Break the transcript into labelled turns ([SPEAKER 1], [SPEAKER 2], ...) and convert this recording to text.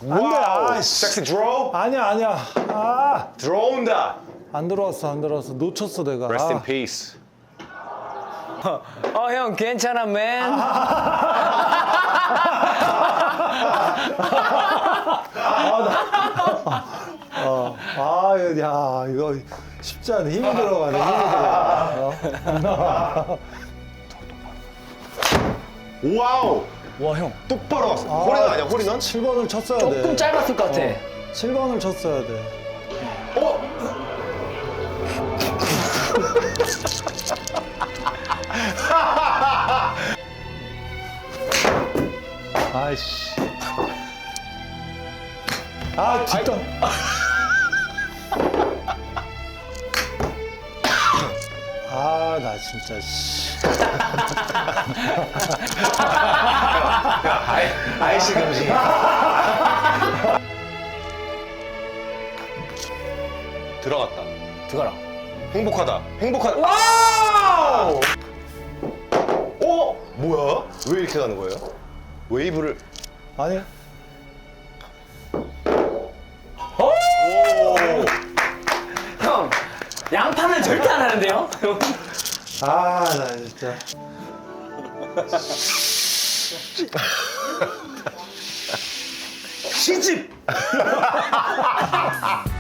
[SPEAKER 1] 안돼. 아이씨.
[SPEAKER 2] 섹시 드로우.
[SPEAKER 1] 아니야 아니야. 아,
[SPEAKER 2] 들어온다.
[SPEAKER 1] 안 들어왔어 안 들어왔어. 놓쳤어 내가.
[SPEAKER 2] Rest in
[SPEAKER 1] 아.
[SPEAKER 2] peace.
[SPEAKER 3] 형 괜찮아 맨.
[SPEAKER 1] 야 이거 쉽지 않네. 힘이 들어가네. 힘이 들어가.
[SPEAKER 2] 와우.
[SPEAKER 3] 와 형.
[SPEAKER 2] 똑바로 왔어. 홀인원 아니야 홀인원?
[SPEAKER 1] 7번을 쳤어야 돼.
[SPEAKER 3] 조금 짧았을 것 같아.
[SPEAKER 1] 7번을 쳤어야 돼.
[SPEAKER 2] 어?
[SPEAKER 1] 아이씨. 아 뒷땅. 아 나 진짜 씨.
[SPEAKER 2] 아이씨 금지. 들어갔다.
[SPEAKER 3] 들어가라.
[SPEAKER 2] 행복하다. 행복하다.
[SPEAKER 3] 와우!
[SPEAKER 2] 어? 뭐야? 왜 이렇게 가는 거예요? 웨이브를.
[SPEAKER 1] 아니
[SPEAKER 2] 오.
[SPEAKER 3] 형 양판을 절대 안 하는데요?
[SPEAKER 1] 아 나 진짜.
[SPEAKER 2] 시집.